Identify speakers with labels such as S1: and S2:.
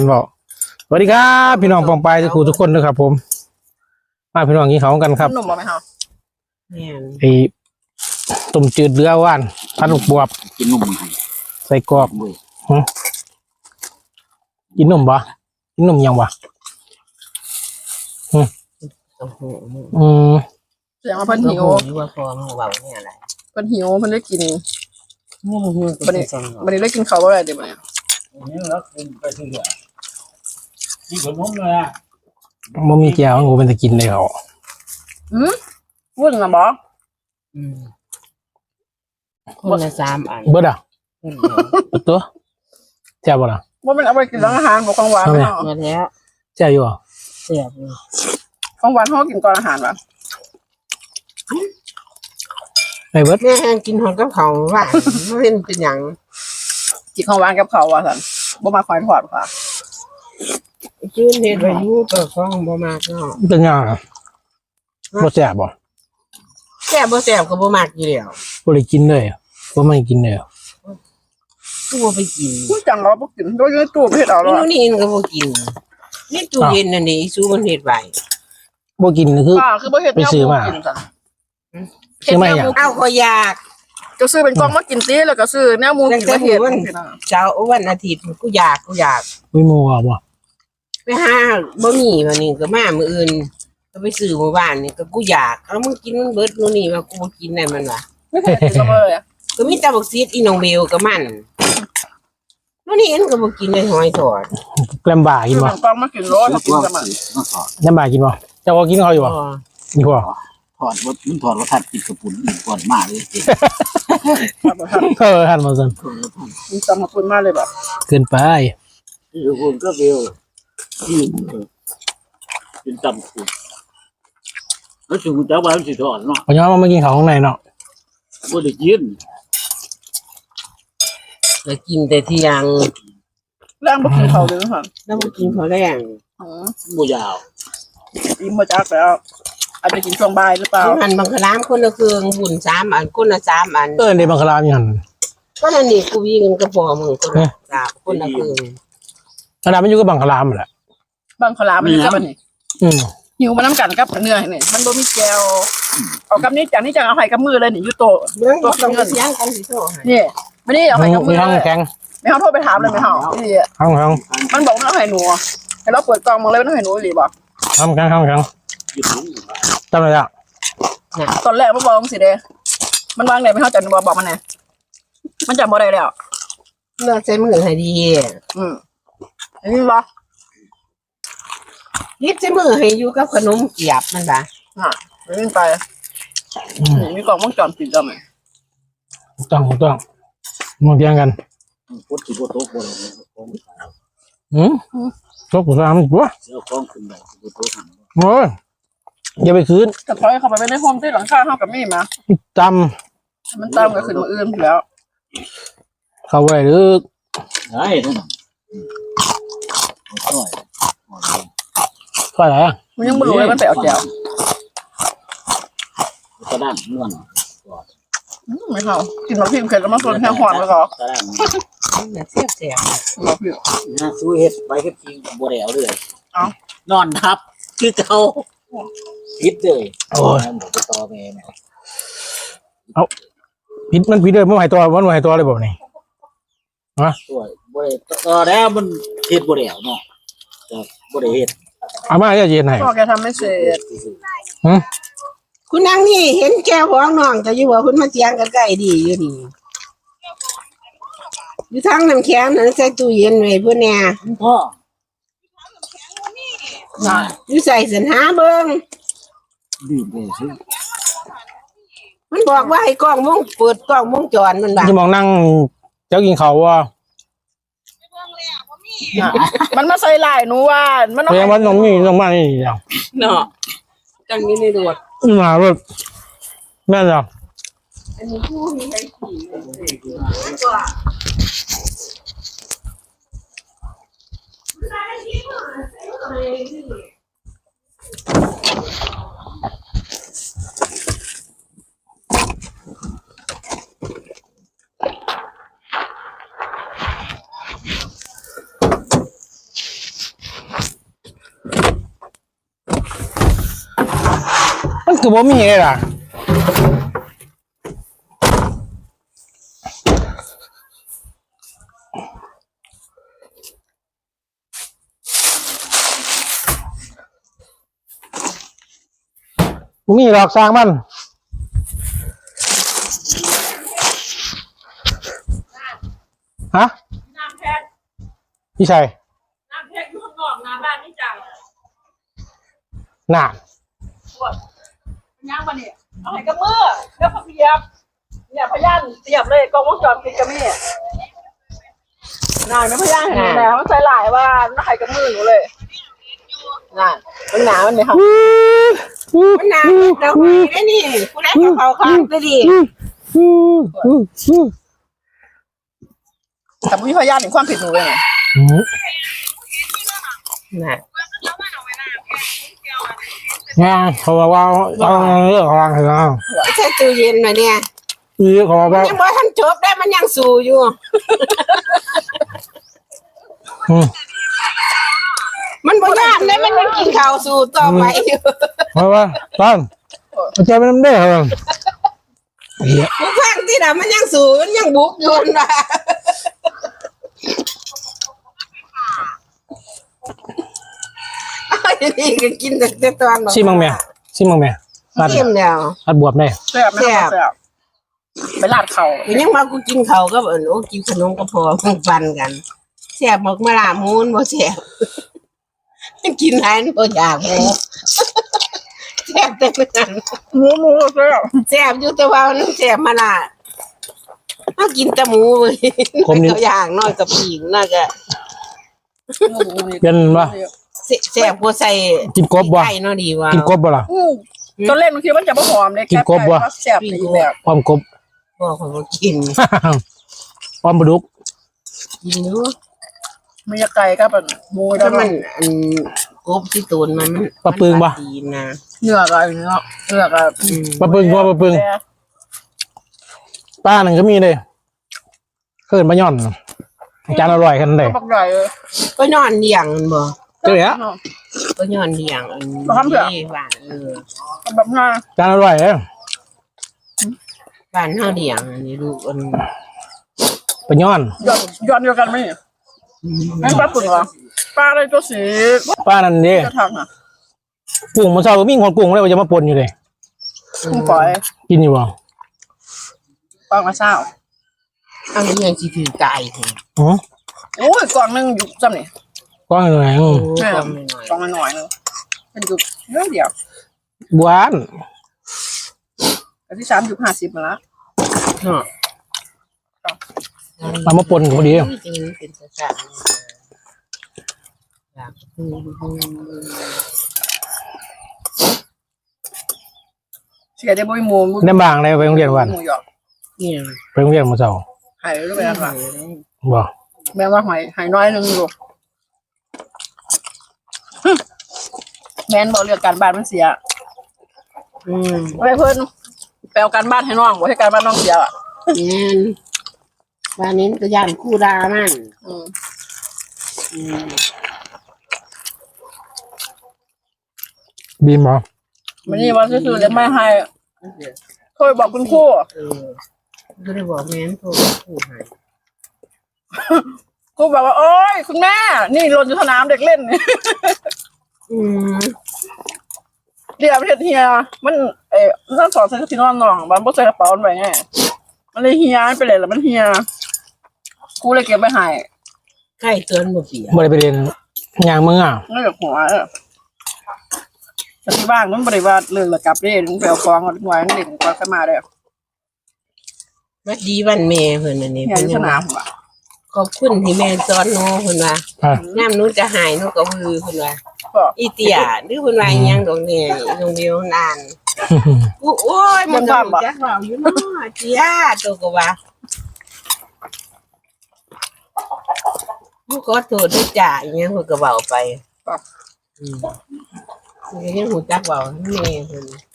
S1: บอกสวัสดีครับพี่น้องปองปายทุกคนนะครับผมมาพี่น้องกินข้าวกันครับ
S2: หนุ่มบอกไหมคะ
S1: ไอ้ต้มจืดเรือว่านพันลูกบวบ
S3: กินนม
S1: ใส่กรอบกินนมบ่กินนมยังบ่
S2: เสียงว่าเพิ่นหิว
S3: ว่าพอมันเบาเนี่ยอะไร
S2: เพิ่นหิวเพิ่นได้กินบันนี้ได้กินข้าวอะไรเดี๋ยวบันนี้
S3: นี่แล้วไปที่เหลือที่ขนมเลยอ่ะ
S1: มันมีแก้วงูเป็นจะกินเลยเขา
S2: วุ่นนะบอ
S3: คนละ3 อัน
S1: เบิดอ่ะตัวแซ่บบ่ล่ะ
S2: ว่ามันเอาไปกินร้านอาหารบอกของหวานเนาะ
S3: แล้ว
S1: แซ่บอยู่อ่ะ
S3: เสียบ
S2: ของหวานเขากินก่อนอาหารป่ะ
S1: ไอ้เบิด
S3: แม่กินหอมกับเขาว่าไม่เป็นอย่าง
S2: กินของหวานกับเขาว่ะสันบ่มาคอยทอดค่ะ
S3: ชื่นเห็ดไว้ยูตัวฟองบ่มากเนาะ
S1: เป็นยังบ่แซ่บบ่
S3: แซ่บบ่แซ่บก็บ่มากอยู่แล้ว
S1: บ่ได้กินเลยบ่ไม่กินเลย
S3: กูบ่ไปกิน
S2: พูดจังเราบ่กินโดยในตู้เฮ็ดเอาแล้ว
S3: นี่ก็บ่กินนี่ตู้เย็นนั่นนี่ซูมันเฮ็ดไว้
S1: บ่กิน
S2: คือบ่เฮ็ด
S1: ไปซื้อมาซื้อมาอย่าง
S3: เอาก็อยาก
S2: ก็ซื้อเป็นกล่องมากินติแล้วก็ซื้อแนวหมูกินมาเฮ็ด
S3: เช้าวันอาทิตย์กูอยาก
S1: มีหมูอ่ะบ่
S3: ไปหาบ่มีวันนี้ก็มามื้ออื่นก็ไปซื้อหมู่บ้านนี่ก็กูอยากเอามึงกินมันเบิดนู่นนี่ว่ากูบ่กินได้มันว่ะ
S2: ไม่เคยกินซัมเมอร์เลย
S3: ก็มีแต่บักซีดอีน้องเบลกับมันนู่นนี่เอ็นก็บ่กินเลยหอยทอด
S1: ลำบากกินบ่
S2: กล่องมากินโลถ้ากินซัมเมอร์
S1: ลำบากกินบ่เจ้าก็กินเขาอยู่บ่นี่พ่อ
S3: ถอดมันถอดรสชาติกินกระปุนอีกก่อนมากเลย
S1: ทันมาซั่น
S2: มีซัมมาปุ่นมากเลยแบบ
S1: เกินไป
S3: อยู่คนก็เบลที่เป็นตำคุณแล้วสูเจ้าบ้านสิถอดเนาะ
S1: พอย้อนมากินข้าวข้างในเนาะ
S3: บ่ได้กินแล้วกินแต่เที่ยง
S2: แรงบ่กินข้าวเลยค่ะ
S3: แล้วบ่กินข้าวแรงบ่ยาว
S2: อิ่มบ่จักแล้วอาจจะกินช่วงบ่ายหรือเปล่า
S3: หันบังคลามคนละเครื่องหุ่น3 อันคนละ3 อัน
S1: ในบังคลามยัง
S3: ก็นั่นนี่กูวิ่งก็พอมึงคนละ3คนละเครื่อง
S1: ขนาดมันอยู่กับบังคลามแหละ
S2: บังคลามมันอยู่กับอันนี้หิวมาน้ำกันกับเนื้อนี่มันบ่มีแก้วเอากับนี้จากนี้จะเอาให้กับมือเลยนี่อยู่โต
S3: ต้องเสียงกันสิโต
S2: นี่ไม่ได้เอาให้กับมือ
S1: แข็ง
S2: ไม่เฮาโทรไปถามเลยไม่เฮานี่มันบอกว่าให้หนูให้เราเปิดกล่องมึงเลยมันให้หนูอีหลีบ่
S1: แข็งจำได้ละ
S2: ตอนแรกมันบอกสิเด้มันวางไหนไม่เฮาจันบอกมันแน่มันจำบ่ได้แล้ว
S3: เลือกใช้มือให้ดี
S2: อันนี้บ่
S3: ยิบใช้มือให้อยู่กับขนมเกี๊ยบมันป่ะ
S2: วิ่งไปมีกล่องวงจรปิดแล้วไหม
S1: ต้องมองเทียงกัน
S3: พุทธิโบโต๊ะบน
S1: โต๊ะกูทำอีกวะ
S3: เจ้าของขึ้นไปโบโต๊ะหัน
S1: โอ้ยอย่าไปคืน
S2: แต่พอเข้าไปในห้องที่หลังคาเข้ากับมี่มามันตามกับขึ้นมาอื่นแล้ว
S1: เข้าไว้หรือ
S3: ไอ้ท่าน
S1: ก็อะไร
S2: มันยังไม่รู้เลยมันไปเอาแก้ว
S3: กระด้างนวล
S2: ไม่เข้ากินมาพิมพ์เสร็จแล้วมาส่วนแค่หวานแล้วก็
S3: เสียบ
S2: มาพิมพ์
S3: สู้เฮ็ดไปเฮ็ดจริงบัวแดวเลยนอนทับคือเขาพิษเลย
S1: โอ้ย
S3: บอกต่อแม่
S1: เอาพิษมันพิษเลยมันหายตัวเลยบอกนี่
S3: ตัวบัวต่อแล้วมันเฮ็ดบัวแดวเนาะบัวแดวเฮ็ด
S1: อาม่าจะเย็นไหน
S2: พ่อแกทำไม่เสร็จ
S3: คุณนางนี่เห็นแก้วของน้องจะอยู่ว่าคุณมาเจียงกันใกล้ดีอยู่นี่อยู่ทั้งน้ำแข็งนั่นใส่ตู้เย็นไว้เพื่อนเนี่ยพ่ออยู่ใส่สันหาเบิ้ง
S1: ดี
S3: เลยสิมันบอกว่าให้กล้องมุ้งเปิดกล้องมุ้งจรมันบ้า
S1: จะมองนั่งเจ้ากินเขาว่า
S2: มันมาใส่ลายหนูว่า
S1: มันต้องมีต้องมานี่
S3: เนาะจังนี้ในรถ
S1: มารถแม่จ้ะ
S3: อันนี้ผู้มีใครขี่
S1: คือบ่มีเลยล่ะบ่มีหรอกสร้างมันฮะ
S2: น้ำแพทย์
S1: พี่ชัย
S2: น้ำแพทย์อยู่ข้างนอกน้ำบ้านนี่จัง
S1: น่ะ
S2: ปวดย่างมาเนี่ยเอาให้กับมือแล้วก็เสียบเนี่ยพยานเสียบเลยกล้องวงจรปิดกับแม่นายไม่พยานเห็นแล้วมันใส่หลายว่าน้าให้กับมือหนูเลยน่ะมันหนามันเนี่ยค่ะ
S4: มันหนาเราคุยได้นี่กูได้กับเขาข้างไปดิ
S2: แต่ไม่มีพยานเห็นความผิดหนูเลยนะ
S4: น่ะ
S1: งานเขาบอกว่าเอาเรื่องของเราเหรอ
S4: ใช่ตู้เย็นมาเนี่ย
S1: อีเขาบอกว่า
S4: ยังบ่ทันจบได้มันยังสู้อยู่ มันบ่ยากได้มันยังกินข้าวสู้ต่อไปอยู่
S1: เพราะว่าตอนมันจะเป็นน้ำเด้อครับเหี้ย
S4: กูฟังที่น่ะมันยังสู้มันยังบุกอยู่น่ะไอ้นี่ก็กินแต่ตอน
S1: ซิมังแม่รัด
S4: เต็มแล้ว
S1: รัดบวบได้
S2: แซ่บไม่ต้องแซ่บไปลาดเขา
S4: กูยังมากูกินข้าวก็เอิ้นโอ้กินขนมก็พอมันฟันกันแซ่บบอกมาลามูนบ่แซ่บกินหลายบ่อยากหมูแซ่บแต่ไม่ทัน
S2: หมูแซ่บ
S4: แซ่บอยู่แต่ว่ามันแซ่บมาละถ้ากินแต่หมูเว้ยเขาอย่างน้อยกับปีกน่าจะ
S1: เป็นว่า
S4: แซ่บกว่าใส่
S1: กินกบบ่
S4: ไก่เนาะดีว่า
S1: กินกบบ่ล่ะ
S2: ตอนเล่นบางทีมันจะไม่หอมเลย
S1: กินกบวะ
S2: แซ่บอีกแบบ
S1: พร้อมกบ
S4: บอกเขาว่ากิน
S1: พร้อมปลาดุก
S4: กินอยู่
S2: มันจะไก่ก็แบบหมู
S4: ถ้า
S2: แล้ว
S4: มั
S2: มัน น
S4: กบที่ตูนมัน
S1: ปลาปึงบ่
S4: ดีนะ
S2: เนื้อก็เนื้อก็
S1: ปลาปึงว่าปลาปึงป้าหนึ่งก็มีเลยเขินมาย่อนจานอร่อยขนาดไหน
S2: บักใหญ่เลย
S4: ก็นอนเลี้ยงมันบ่
S1: เจ๊ะ
S4: ก็นอนเลี้ยงอัน
S2: บ่ทำเถอะ
S4: นี้บ้าน
S2: แบบน่า
S1: จานอร่อยเลย
S4: บ้านเฮาเลี้ยงอันนี้ลูกอัน
S1: ไปย่อน
S2: ย้อนเดียวกันไหมไม่ปลาปึ่งเหรอปลาอะไรตัวสี
S1: ป้านั่นดิ
S2: จะทำอ่ะ
S1: กุ้งมันเศร้าก็มีคนกุ้งเลยว่าจะมาปนอยู่เลย
S2: กุ้งฝอย
S1: กินอยู่บ่
S2: ปลากระเช้า
S4: อันนี้ยังสิถือไก่พุ่น
S1: อ๋อ
S2: โอ้ยกล่องนึงอยู่จำนี่
S1: ก้อนอะไร
S4: โอ้
S2: แม่
S4: ก็
S2: ก
S4: ไม่น้อย
S2: ล่องน้อยๆนึงเป็นอยู่เรื่องเดียว
S1: บ้าน
S2: อันที่3.50มาแล้ว
S4: เนาะ
S1: เอามาปนก็พอดี
S4: จริงๆเป็นภาษาอยาก
S2: เสียได้บ่มีหมู
S1: ได้บางเลยไปโรงเรียนวัน
S2: หมูหยอก
S4: เนี่ย
S1: ไปโรงเรียนมาเศร้า
S2: หายรู้ไหมล่ะ
S1: บ่
S2: แม่ว่าหายน้อยนึงอยู่แม่นบอกเรื่องการบ้านมันเสีย
S4: อืม
S2: ไว้เพิ่นแปลการบ้านให้น้องบ่ให้การบ้านน้องเสียอ่ะ
S4: เนี่ยวันนี้ก็ย่านคู่ดามัน
S2: อืม
S4: อืม
S1: บีมเหรอ
S2: วันนี้ว่าซื่อๆเลยไม่ให้เคยบอกคุณครู
S4: ก็ได้บอกแม่นโทรคู่ให้
S2: ครูบอกว่าโอ๊ยคุณแม่นี่หล่นอยู่สนามเด็กเล่นนี่
S4: อืม
S2: เดี๋ยวประเทศเฮียมันนั่นสอนใส่ที่นอนน้องมันบ่ใส่กระเป๋ามันไว้ไงมันเลยเฮียไปเลยแล้วมันเฮียครูเลยเก็บไปให้
S4: ใกล้เกินบ่เปีย
S1: บ่ได้ไปเรียนอย่างมึงอ่ะ
S2: นั่นแบบหัวแต่ที่บ้านมันบริวารเรื่องระกับเรื่องไปเอาของเอาไว้มันเด็กกว่าขึ้นมาได้
S4: วัดดีวันแม่เพิ่นอันนี้
S2: เฮีย
S4: เพิ่น
S2: อยู่ส
S4: ยัง
S2: นา
S4: ว่าม
S2: ผมอ่ะ
S4: ขอบคุณที่แม่สอนหนูเพิ่นว่า
S1: อ่ะ
S4: น้ำหนูจะหายหนูก็ฮือเพิ่นว่า
S2: ก็
S4: อีเตียหรือเพิ่นว่าอิหยังดอกเนี่ยโรงเรียนนานโอ้ยมันก็รู้จักเราอยู่เนาะเตียตัวก็ว่าผู้ขอโทษด้วยจ้าอิหยังเพิ่นก็เว้าไปอืมมันก็ยังหูจักเว้าแม่เพิ่น